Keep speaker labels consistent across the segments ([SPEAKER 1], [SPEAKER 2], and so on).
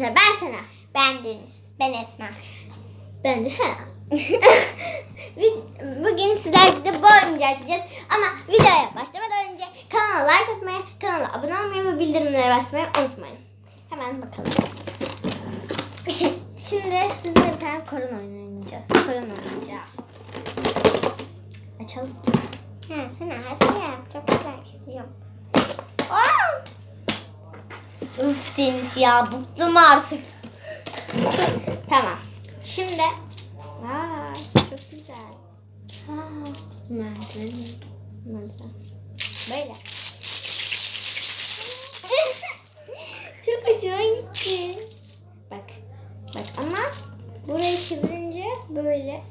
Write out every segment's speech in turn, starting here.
[SPEAKER 1] Arkadaşlar ben Sena.
[SPEAKER 2] Ben Deniz. Ben Esma.
[SPEAKER 1] Ben de Sena. Bugün sizlerle de bu oyuncağı açacağız. Ama videoya başlamadan önce kanala like atmayı, kanala abone olmayı ve bildirimlere basmayı unutmayın. Hemen bakalım. Şimdi sizinle bir tane korona oyunu oynayacağız. Korona oyuncağı. Açalım.
[SPEAKER 2] Ha, Sena hadi ya. Çok merak ediyorum.
[SPEAKER 1] Uf Deniz ya, bıktım artık. Tamam. Şimdi çok güzel. Merdiven. Böyle. Çok hoşuma gitti. Bak ama burayı çevirince böyle.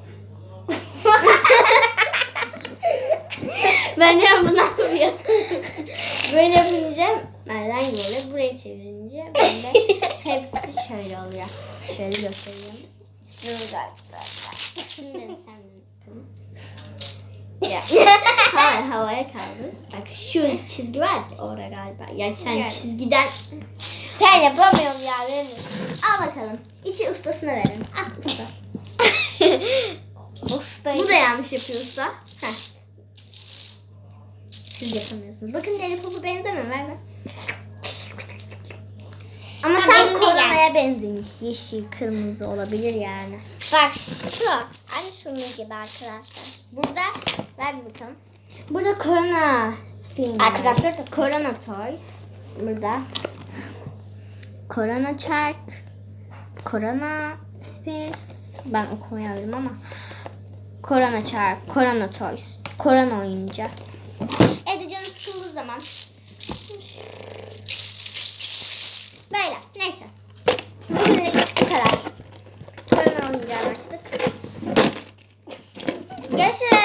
[SPEAKER 1] Ben de bunu yapıyorum. Böyle yapınca nereden böyle burayı çevirince böyle hepsi şöyle oluyor. Şöyle göstereyim. Şurada. Şimdi sen bakalım. Ya. Hayır, havaya kaldır. Bak şu çizgi var ya orada galiba. Ya sen
[SPEAKER 2] Evet.
[SPEAKER 1] çizgiden
[SPEAKER 2] Sen yapamıyorum ya. Benim.
[SPEAKER 1] al bakalım. İşi ustasına verin. Al usta.
[SPEAKER 2] Ustayım.
[SPEAKER 1] Bu da yanlış yapıyorsa. Heh. Siz yapamıyorsunuz. Bakın deli popu benzemiyor. Ver. Ama
[SPEAKER 2] Ha,
[SPEAKER 1] tam
[SPEAKER 2] benim de
[SPEAKER 1] koronaya benzemiş. Yeşil, kırmızı olabilir yani.
[SPEAKER 2] Bak şu. Hani şunun gibi arkadaşlar.
[SPEAKER 1] Burada ver bir bakalım. Burada korona spin.
[SPEAKER 2] Arkadaşlar da
[SPEAKER 1] korona toys. Burada korona çark. Korona spears. Ben okumayabilirim ama. Korona çark. Korona toys. Korona oyuncak. Evde canım sıkıldığı zaman. Böyle. Neyse. Bugünlük bu kadar. Korona oyuncağı açtık. Görüşürüz.